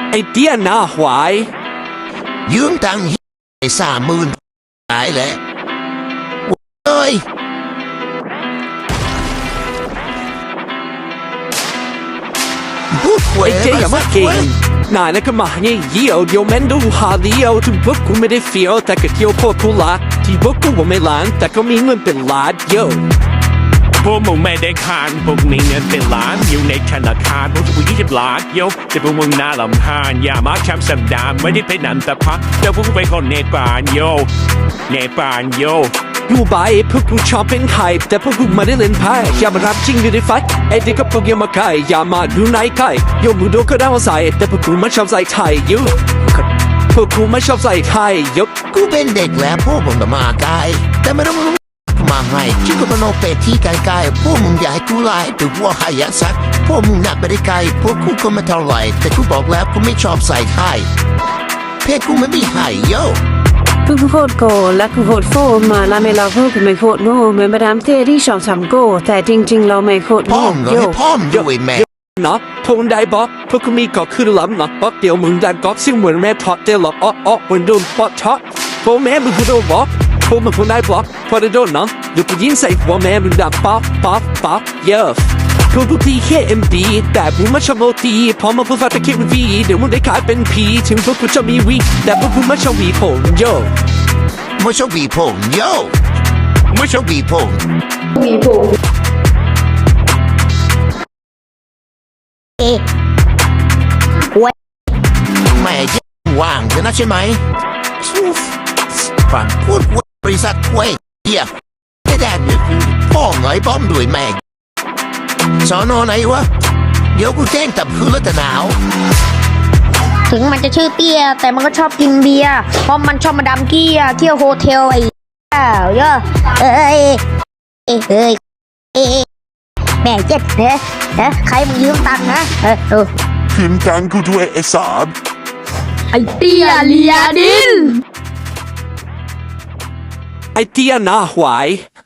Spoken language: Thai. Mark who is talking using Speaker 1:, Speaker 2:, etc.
Speaker 1: ไอเตี้ยหน้าหวาย
Speaker 2: ยืมตังค์ไอ้30,000ตายแหละเอ้ย
Speaker 1: ไอเจ๊อย่ามาเก่งนายนะก็มาเยี่ยวเดี๋ยวแม่นดูหาเลี้ยวถึงพวกกูไม่ได้เฟี้ยวแต่ก็เที่ยวโคตรผู้ละที่พวกกูว่าไม่ล้านแต่ก็มีเงินเป็นล้านโย่
Speaker 3: พวกมึงไม่ได้คานพวกมีเงินเป็นล้านอยู่ในธนาคารพวกกู20 ล้านโยแต่พวกมึงน่าลำคาญอย่ามาแคมสัมดานไม่ได้เป็นอันตรพักแต่พวกกูเป็นคนเนปาลโยเนปาลโย
Speaker 1: ดูใบพวกกูชอบเป็นไข่แต่พวกกูไม่ได้เล่นไพ่อย่ามารับจริงอยู่ในไฟไอเด็กกับพวกยังมาไก่อย่ามาดูไหนไก่โยมึงโดนก็ได้มาใส่แต่พวกกูไม่ชอบใส่ไทยโยพวกกูไม่ชอบใส่ไทยโย
Speaker 2: กูเป็นเด็กแล้วพวกมึงมาไกลแต่ไม่ต้องมาให้ชิคก็โนเปที่ไกลๆพวกมึงอยากให้กูไล่หรือว่าให้ยักซักพวกมึงนักไปได้ไกลพวกกูก็ไม่เท่าไหร่แต่กูบอกแล้วกูไม่ชอบใส่ไทยเพศกูไม่มีไทยโย่
Speaker 4: พวกกูโคตรโกและกูโคตรโฟมาแล้วไม่เราพวกกูไม่โคตรโง่เหมือนมาดามเต้ที่ชอบทำโก้แต่จริงๆเราไม่โคตรโง่
Speaker 2: โย่พ่อมด้วยแม่
Speaker 1: นะพวกได้บอกพวกกูมีก็คือล้ำนะบอกเดี๋ยวมึงได้ก็ซึ่งเหมือนแม่ทอดเดี๋ยวหลอกอ้อเหมือนโดนปอดช็อตพวกแม่มึงคือโดนบอกพวกมึงคนได้บอกพอได้โดนนะเดี๋ยวกูยิงใส่หัวแม่มึงดังป๊อปเยอะพวกกูตีแค่MDแต่กูไม่ชอบโมตีพอมาพูดฟังแต่คิดวีเดี๋ยวมึงได้ขายเป็นผีถึงพวกกูจะมีวีแต่พวกกูไม่ชอบวีผมโย่
Speaker 2: ไม่ชอบวีผมโย่ไม่ชอบวีผมแม่ยังว่างจะนะใช่ไหมฟังพูดบริษัทเว้ยเหี้ยไม่ได้พ่อหน่อยป้อมด้วยแม่สอนอไหนวะเดี๋ยวกูแจ้งตับคือรถหนาว
Speaker 5: ถึงมันจะชื่อเตี้ยแต่มันก็ชอบกินเบียร์เพราะมันชอบมาดามเกี้ยเที่ยวโฮเทลไอ้เยอะแม่เจ็ดใครมึงยืมตังค์นะ
Speaker 2: คืนตังค์กูด้วยไอ้สาม
Speaker 5: ไอ้เตี้ยเลียดิน
Speaker 1: ไอเตี้ยหน้าหวาย